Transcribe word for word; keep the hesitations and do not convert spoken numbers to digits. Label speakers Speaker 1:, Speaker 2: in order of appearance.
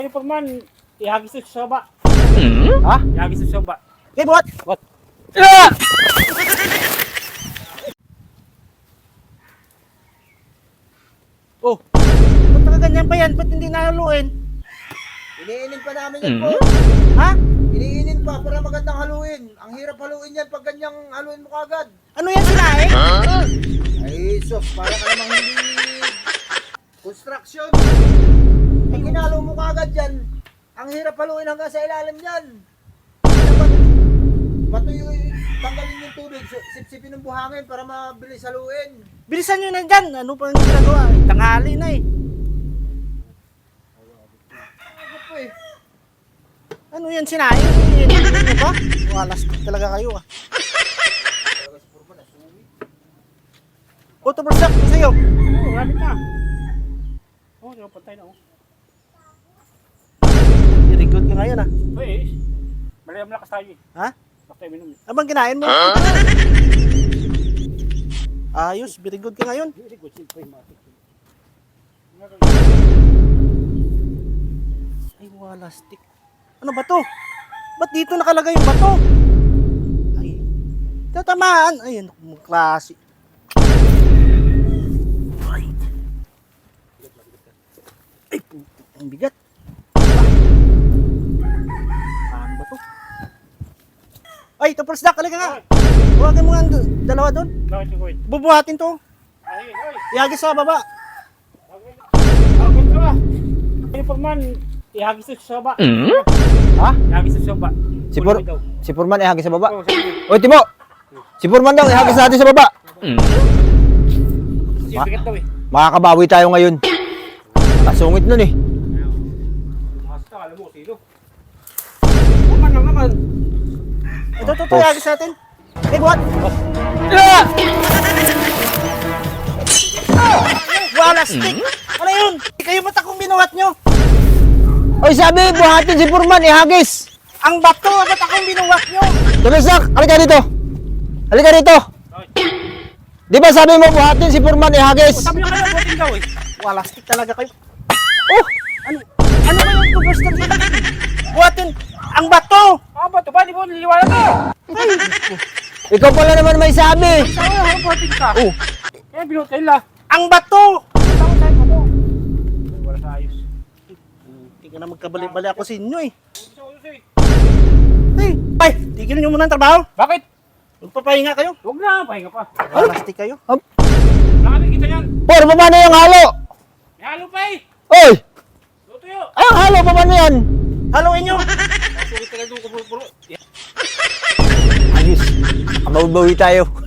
Speaker 1: Forman, ihagis ito sa baba.
Speaker 2: Ha?
Speaker 1: Ihagis ito sa baba.
Speaker 2: Okay, buhat!
Speaker 1: What?
Speaker 2: Ah!
Speaker 1: Oh,
Speaker 2: Ba't nakaganyan pa yan? Ba't hindi nahaluin?
Speaker 3: Iniinin pa namin yan po.
Speaker 2: Ha?
Speaker 3: Iniinin pa para magandang haluin. Ang hirap haluin yan pag ganyang haluin mo kagad.
Speaker 2: Ano yan sinaing?
Speaker 3: Ay, sos, para ka namang hindi construction. Pag hinalo mo kagad yan, ang hirap haluin hanggang sa ilalim yan. Dapat matuyo, tanggalin yung tubig, sipsipin ng buhangin para mabilis haluin.
Speaker 2: Bilisan nyo na dyan. Ano pa yung ginagawa? Eh, tanghali na eh.
Speaker 3: Ano po eh?
Speaker 2: Ano yan sinaing? Ano ba? Walas talaga kayo ah. Auto bursak ko sa'yo.
Speaker 1: oh, rapid na. Oh, di ba patay na oh.
Speaker 2: Very good ka ngayon ah.
Speaker 1: Uy, malaya malakas tayo eh.
Speaker 2: Ha?
Speaker 1: Bakit tayo minum?
Speaker 2: Abang kinain mo? Ayos, very good ka ngayon.
Speaker 1: Very good, siyempre matik.
Speaker 2: Ay, walastik. Ano ba to? Ba't dito nakalagay yung bato? Ay, tatamaan. Ay, ano kung klase. Ay. Ay, ang bigat. Ano ba to? Ay, ito first duck. Halika nga. Huwagin mo nga ang do- dalawa doon.
Speaker 1: Bakit yung kuwin?
Speaker 2: Bubuhatin to.
Speaker 1: Ay, ay.
Speaker 2: Ihagis sa baba.
Speaker 1: Bakit ka ba? Ay, Forman, ihagis ito sa baba.
Speaker 3: Ha?
Speaker 1: Ihagis ito sa baba.
Speaker 3: Si, Pur
Speaker 1: Kunin mo daw.
Speaker 3: si Purman ihagis sa baba.
Speaker 1: Oh, sabi.
Speaker 3: Oy, Timo! Si Purman daw ihagis natin sa baba.
Speaker 1: Kasi bigat daw eh.
Speaker 3: Makakabawi tayo ngayon. Kasungit nun eh.
Speaker 1: Basta, alam mo, sino? Forman lang naman.
Speaker 2: Ito, ito, ito. Ihagis natin. Eh, buhat.
Speaker 3: Ah!
Speaker 2: Walastik. Ano yun? Kayo ba't akong binuhat nyo?
Speaker 3: Oy, sabi, buhatin si Purman ihagis.
Speaker 2: Ang bato, ba't akong binuhat nyo?
Speaker 3: Tumisak, halika dito. Halika dito. Di ba sabi mo buhatin si Purman ihagis?
Speaker 1: Sabi niya kayo, buhatin daw eh.
Speaker 2: Walastik talaga kayo. Oh! Ano? Ano ba yung tubos na dito? Buhatin! Ang bato!
Speaker 1: Ah, ba ito ba? Di ba niliwala ka?
Speaker 3: Ikaw pala naman may sabi.
Speaker 1: Sabi na, harap buhatin ka.
Speaker 3: Oh,
Speaker 1: Kaya binuhat kayo la.
Speaker 2: Ang bato!
Speaker 1: Tawag tayo pa to. Wala sa ayos.
Speaker 2: Hindi ka na magkabali-bali ako sa inyo eh.
Speaker 1: Gusto ko eh.
Speaker 2: Hey! Ay! Tigil nyo muna ang trabaho.
Speaker 1: Bakit?
Speaker 2: Magpapahinga kayo.
Speaker 1: Huwag na, pahinga pa.
Speaker 2: Walastik kayo.
Speaker 1: Nakami kita yan.
Speaker 3: Por, paano yung halo?
Speaker 1: May halo pa eh.
Speaker 3: Oy!
Speaker 1: Luto yun.
Speaker 3: Ay, ang halo, paano yan?
Speaker 2: Haluin nyo!
Speaker 1: Sulit ka lang doon, kapuro-puro.
Speaker 3: Ayos, mabawi tayo.